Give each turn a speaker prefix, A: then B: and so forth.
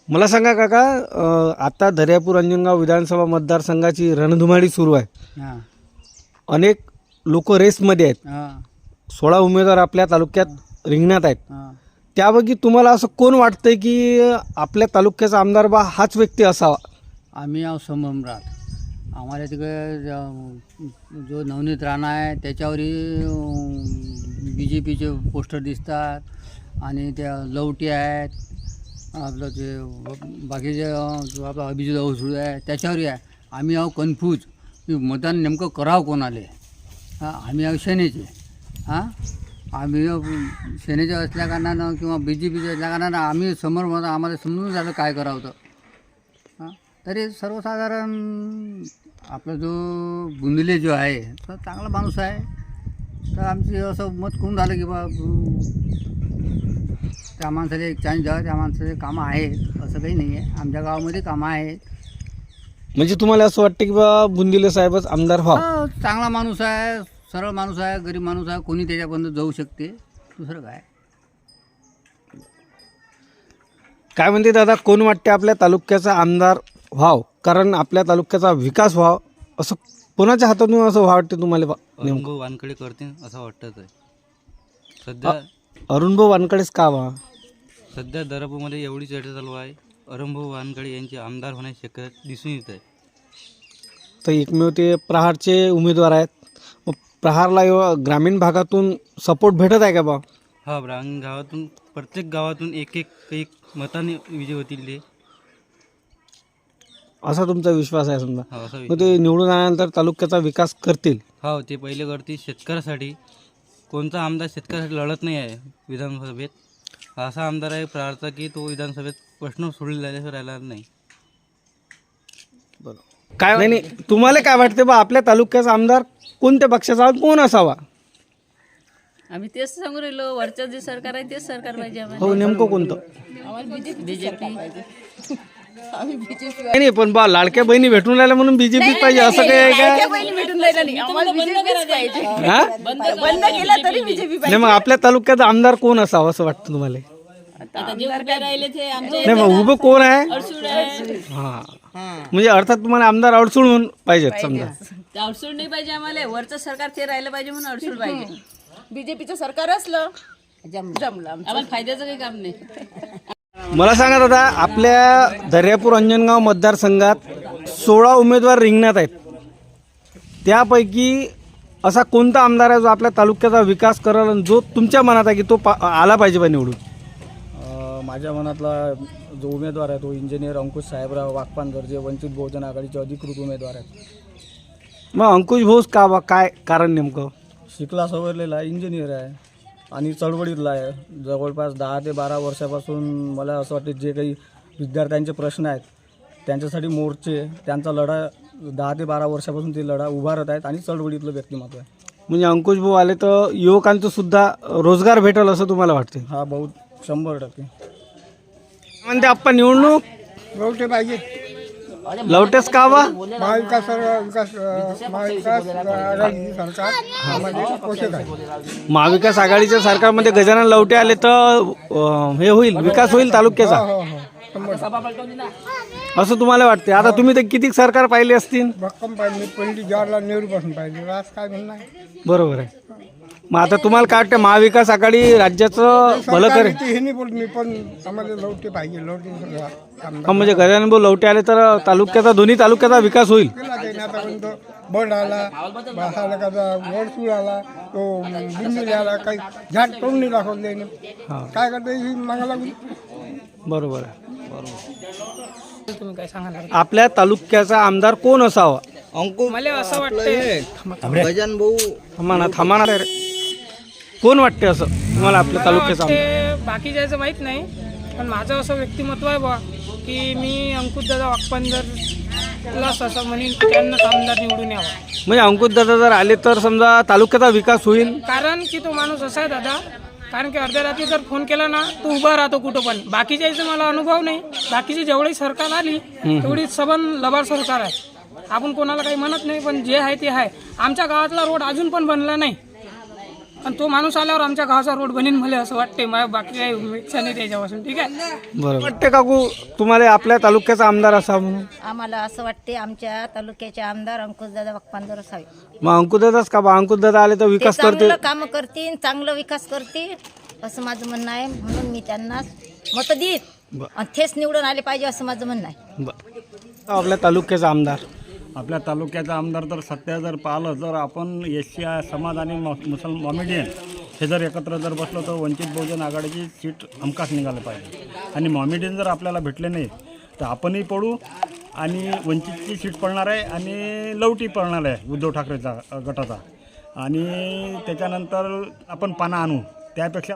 A: मला सांगा काका, आता दर्यापूर अंजनगाव विधानसभा मतदारसंघाची रणधुमाळी सुरू आहे.
B: हां
A: अनेक लोक रेसमध्ये आहेत.
B: हां
A: 16 उमेदवार आपल्या तालुक्यात रिंगणात आहेत.
B: हां
A: त्यापैकी तुम्हाला असं कोण वाटतंय की आपल्या तालुक्याचा आमदार बा हाच व्यक्ती असावा?
B: आम्ही आहो संभ्रमरात. आम्हाला तिकडे जो नवनीत राणा आहे त्याच्यावरही BJPचे पोस्टर दिसतात आणि त्या लवटी आहेत. आपलं ते बाकीचे जो आपला अभिजित अवसुळ आहे त्याच्यावरही आहे. आम्ही आहो कन्फ्यूज की मतदान नेमकं करावं कोणाले. हां आम्ही आहो सेनेचे. हां आम्ही सेनेचे असल्या कारणानं किंवा BJPचे असल्या कारणानं आम्ही समोर मग आम्हाला समजून झालं काय करावं तर. हां तरी सर्वसाधारण आपला जो बुंदिले जो आहे तो चांगला माणूस आहे. तर आमची असं मत करून झालं की बा त्या माणसाला एक चान्स द्यावा. त्या माणसाचे कामं आहेत असं काही नाही आहे. आमच्या गावामध्ये कामं आहेत.
A: म्हणजे तुम्हाला असं वाटतं की बा बुंदिले साहेबच आमदार व्हावं?
B: हो, चांगला माणूस आहे, सरळ माणूस आहे, गरीब माणूस आहे. कोणी त्याच्यापर्यंत जाऊ शकते. दुसरं काय.
A: काय म्हणते दादा, कोण वाटते आपल्या तालुक्याचा आमदार व्हाव? कारण आपल्या तालुक्याचा विकास व्हाव असं कोणाच्या हातातून असं वाटते तुम्हाला नेमकं?
C: अरुणभाऊ वानकडे करतील असं वाटतं आहे. सध्या
A: अरुणभाऊ वानकडेच का व्हा?
C: सध्या दर्यापूरमध्ये एवढी चर्चा चालू आहे. अरुणभाऊ वानकडे यांचे आमदार होण्याची शक्यता दिसून येत आहे.
A: तर एकमेव ते प्रहारचे उमेदवार आहेत. मग प्रहारला ग्रामीण भागातून सपोर्ट भेटत आहे का बा?
C: हा ग्रामीण गावातून प्रत्येक गावातून एक मताने विजय होतील ते,
A: असा तुमचा विश्वास आहे समजा?
C: हा असा
A: मग ते निवडून आल्यानंतर तालुक्याचा विकास करतील?
C: हो ते पहिले करतील शेतकऱ्यासाठी. कोणता आमदार शेतकऱ्यासाठी लढत नाही आहे विधानसभेत. असा आमदार आहे प्रहारचा की तो विधानसभेत प्रश्न सोडलेला राहिला नाही.
A: काय नाही नाही, तुम्हाला काय वाटते बा आपल्या तालुक्याचा आमदार कोणत्या पक्षाचा कोण असावा?
D: आम्ही तेच सांगू राहिलो, वरचं जे सरकार आहे तेच सरकार पाहिजे आम्हाला.
A: हो, नेमकं कोणतं?
D: बीजेपी.
A: नाही नाही, पण बा लाडक्या बहिणी भेटून राहिल्या म्हणून BJP पाहिजे असं काही आहे का?
D: भेटून राहिला नाही, आम्हाला बीजेपीच पाहिजे.
A: हा?
D: बंद केला तरी बीजेपी
A: नाही, मग आपल्या तालुक्याचा आमदार कोण असावा असं वाटतं तुम्हाला?
D: आता जे उभे राहिले ते आमचे
A: नाही, मग उभं कोण आहे?
D: अडसूळ आहे.
A: हा, म्हणजे अर्थात तुम्हाला आमदार अडसूळ म्हणून पाहिजेत समजा.
D: ते अडसूळ नाही पाहिजे आम्हाला, वरचं सरकार ते राहिलं पाहिजे म्हणून अडसूळ पाहिजे.
E: बीजेपीचं सरकार असलं जमलं.
D: आम्हाला फायद्याचं काही काम नाही.
A: मला सांगा दादा, आपल्या दर्यापूर अंजनगाव मतदारसंघात 16 उमेदवार रिंगणात आहेत. त्यापैकी असा कोणता आमदार आहे जो आपल्या तालुक्याचा विकास करेल आणि जो तुमच्या मनात आहे की तो आला पाहिजे बा निवडून?
F: माझ्या मनातला जो उमेदवार आहे तो इंजिनियर अंकुश साहेबराव वाकपानकर, जे वंचित बहुजन आघाडीचे अधिकृत उमेदवार आहेत.
A: मग अंकुश भाऊच का बा? काय कारण नेमकं?
F: शिकला सवरलेला इंजिनियर आहे आणि चळवळीतला आहे. जवळपास 10 ते 12 वर्षापासून मला असं वाटतं जे काही विद्यार्थ्यांचे प्रश्न आहेत त्यांच्यासाठी मोर्चे, त्यांचा लढा 10 ते 12 वर्षापासून ते लढा उभारत आहेत आणि चळवळीतलं व्यक्तिमत्व आहे.
A: म्हणजे अंकुश भाऊ आले तर युवकांचं सुद्धा रोजगार भेटेल असं तुम्हाला वाटते?
F: हा बहुत 100%.
A: म्हणते आपण निवडणूक
G: लवटे पाहिजे.
A: लवटेच का बा?
G: महाविकास सरकार पोषक आहे.
A: महाविकास आघाडीच्या सरकारमध्ये गजानन लवटे आले तर हे होईल, विकास होईल तालुक्याचा असं तुम्हाला वाटते? आता तुम्ही तर किती सरकार पाहिले असतील?
G: भक्कम पाहिजे. पंडित जवाहरलाल नेहरू पासून पाहिजे. आज काय म्हणणं आहे?
A: बरोबर आहे. मग आता तुम्हाला काय वाटतं, महाविकास आघाडी राज्याचं भलं करेल?
G: हे नाही बोलत मी, पण आम्हाला लवटे पाहिजे. लवटे
A: हा, म्हणजे गजानन भाऊ लवटे आले तर तालुक्याचा, दोन्ही तालुक्याचा विकास होईल.
G: केला त्याने आतापर्यंत. बंड आला, वडसूळ आला, तो बुंदिले आला, काही झाट करून नाही दाखवलं त्याने. काय करता ही मागा लागून.
A: बरोबर आहे. आपल्या तालुक्याचा आमदार कोण असावा?
E: मला असं वाटतं
A: थांबा रे. कोण वाटते असं तुम्हाला आपल्या तालुक्याचा आमदार?
E: बाकी जायचं माहित नाही, पण माझं असं व्यक्तिमत्व आहे बा की मी अंकुशदादा वाकपानकरला असं म्हणेन की त्यांना आमदार निवडून यावा.
A: म्हणजे अंकुशदादा जर आले तर समजा तालुक्याचा विकास होईल?
E: कारण की तो माणूस असा आहे दादा, कारण की अर्ध्या रात्री जर फोन केला ना तो उभा राहतो कुठं पण. बाकी जायचं मला अनुभव नाही. बाकीची जेवढी सरकार आली तेवढी सबन लबाड सरकार आहे. आपण कोणाला काही म्हणत नाही, पण जे आहे ते आहे. आमच्या गावातला रोड अजून पण बनला नाही. आणि तो माणूस आल्यावर आमच्या गावाचा रोड बनीन मला असं वाटते. मला बाकी काही इच्छा नाही त्याच्यापासून. ठीक आहे.
A: बरोबर वाटते काकू तुम्हाला आपल्या तालुक्याचा आमदार असा म्हणून?
H: आम्हाला असं वाटते आमच्या तालुक्याचे आमदार अंकुशदादा बाप्पांदर असावे.
A: मग अंकुशदादाच का बा? अंकुशदादा आले तर
H: ते
A: विकास करतील.
H: चांगलं काम करतील, चांगलं विकास करतील असं माझं म्हणणं आहे. म्हणून मी त्यांना मत देईन आणि तेच निवडून आले पाहिजे असं माझं म्हणणं आहे.
A: बरं. आपल्या तालुक्याचा आमदार
I: आपल्या तालुक्याचा आमदार तर सध्या जर पाहिलं तर आपण एस समाज आणि मॉमेडियन हे जर एकत्र जर बसलो तर वंचित बहुजन आघाडीची सीट हमखास निघायला पाहिजे. आणि मॉमेडियन जर आपल्याला भेटले नाही तर आपणही पडू आणि वंचितची सीट पडणार आहे आणि लवटी पडणार आहे उद्धव ठाकरेचा गटाचा. आणि त्याच्यानंतर आपण पाना आणू त्यापेक्षा